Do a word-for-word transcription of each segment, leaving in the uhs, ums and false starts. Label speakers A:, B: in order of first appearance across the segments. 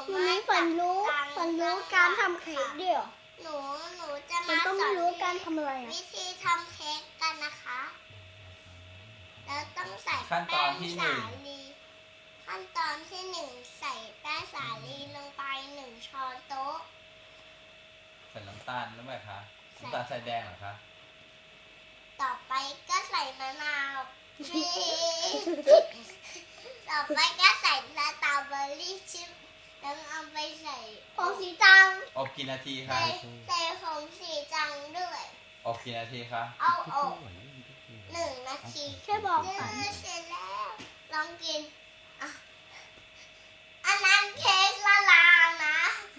A: วันนี้ฝันรู้ฝันรู้การทำเค้กด้วยเหรอ
B: หนูหนูจะ
A: มั
B: มาน
A: ต้อง
B: สอน
A: รู้การทำอะไรอ่ะ
B: วิธีทำเค้กกันนะคะ แล้วต้องใส่
C: ขั้นต
B: แป้
C: อน
B: ง
C: ที่หนึ่
B: สาง ลีขั้นตอนที่หนึ่งใส่แป้งสาลีลงไปหนึ่งช้อนโต๊ะ
C: ใส่น้ำตาลแล้วไหมคะน้ำตาลใส่แดงเหรอคะ
B: ต่อไปก็ใส่มะนาวชีสต่อไปก็ใส่สตรอเบอรี่ชิพแล้วเอาไปใส่
A: ผงสีจัง
C: อบกี่นาทีคะ
B: ใส่ใส่ผงสีจังด้วย
C: อบกี่นาทีคะ
B: เอาอบหนึ่งนาที
A: แค่บอก
B: เดื
A: ฝัน
B: อเสร็จแล้ว ลองกินอ่ะอันนั้นเค้กละลายนะ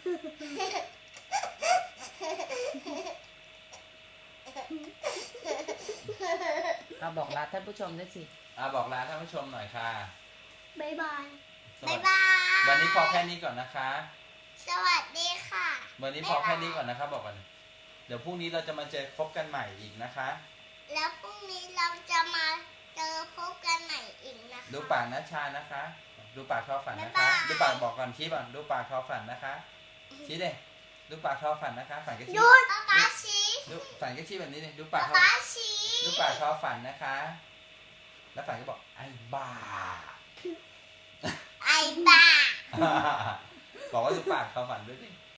D: เอาบอกลาท่านผู้ชมด้วยสิ
C: อ่ะบอกลาท่านผู้ชมหน่อยค่ะ
A: บ๊ายบาย
C: สวั
B: บ๊า
C: ส
B: ย
C: ดี
B: บาย
C: วันนี้พอแค่นี้ก่อนนะคะ
B: สวัสดีค่ะ
C: วันนี้พอแค่นี้ก่อนนะคะบอกก่อนเดี๋ยวพรุ่งนี้เราจะมาเจอพบกันใหม่อีกนะคะ
B: แล้วพรุ่งนี้เราจะมาเจอพบกันใหม่อีกนะคะ
C: ดูปากนัชชานะคะ ดูปากทอฝันนะคะ
B: บ๊ายบาย
C: ดูปากบอกก่อนชี้ก่อนดูปากทอฝันนะคะชี้เด้ดูปากทอฝันนะคะฝันก็ชี้
B: ป๊าป๊าชี
C: ดูฝันก็ชี้แบบนี้เลยดูปา
B: ป๊าก
C: ทอ
B: ป๊าชี
C: ดูปากทอฝันนะคะ แล้วฝันก็บอกไอ้บ้า
B: ไอ้บ้า
C: บอกว่าดูปากทอฝันด้วยดิ